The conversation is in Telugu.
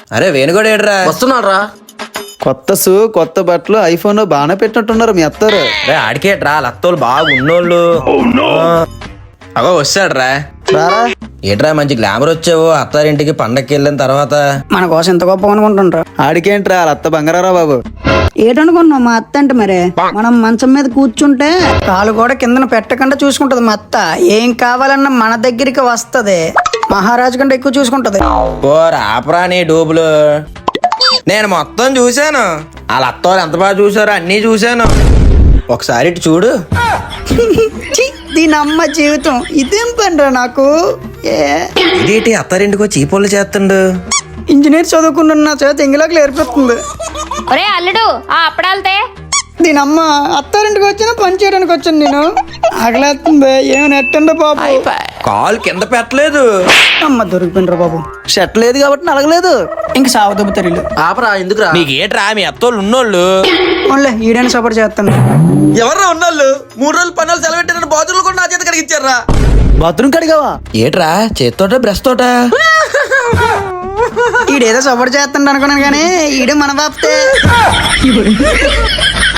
అరే వేణుగోడు ఏడ్రా? వస్తున్నాడు రా. కొత్త కొత్త బట్టలు ఐఫోన్ బాగానే పెట్టినట్టున్నారు మీ అత్తారు. రే ఆడికేట్రా లత్తోళ్ళు బాగా ఉన్నోళ్ళు. అగో వస్తాడ్రా. రారా ఏట్రా మంచి గ్లామర్ వచ్చావు అత్తారింటికి పండక్కి వెళ్ళిన తర్వాత. మన కోసం ఎంత గొప్ప అనుకుంటుండ్రా. ఆడికేంట్రా వాళ్ళ అత్త బంగారా బాబు. ఏటనుకున్నావు మా అత్త అంటే? మరి మనం మంచం మీద కూర్చుంటే కాలు కూడా కిందన పెట్టకుండా చూసుకుంటది మా అత్త. ఏం కావాలన్నా మన దగ్గరికి వస్తది. మహారాజు కంటే ఎక్కువ చూసుకుంటది. ఓ రాపరా నీ డూబులు. నేను మొత్తం చూశాను. వాళ్ళ అత్తోళ్ళు ఎంత బాగా చూసారో అన్నీ చూశాను. ఒకసారి ఇటు చూడు. ఛీ, దీని అమ్మ జీవితం ఇదేం పనిరా నాకు. ఇదేంటి అత్తారింటికి వచ్చి ఈ పనులు చేస్తుండు? ఇంజనీర్ చదువుకుంటున్న చేత ఇంగిలోకి ఏర్పడుతుంది. ఒరే అల్లుడు ఆ అప్పడాలతే. దీని అమ్మ అత్తారింటికి వచ్చినా పని చేయడానికి వచ్చాను నేను. ఆగలేస్తుంది. ఏమి నెట్టండి బాబు. కాలు కింద పెట్టలేదు. అమ్మ దొరికిపోయినరా బాబు. షర్ట్ లేదు కాబట్టి నలగలేదు. ఇంక సావదబ్బు తెరీలు. ఆపరా, ఎందుకురా? నీకేట్రా మీ అత్తోళ్ళు ఉన్నోళ్ళు? ఓన్లే ఈడని సపోర్ట్ చేస్తాను. ఎవర్రా ఉన్నోళ్ళు? 3 రోజులు పనులు సెలవెట్టిన బాతులు కూడా నా చేత కడిగిచ్చారా? బాత్రూమ్ కడిగావా? ఏట్రా చేత్తోట బ్రష్ తోట? ఈడేదో సపోర్ట్ చేస్తాడు అనుకున్నాను కానీ ఈడు మన బాప్తే.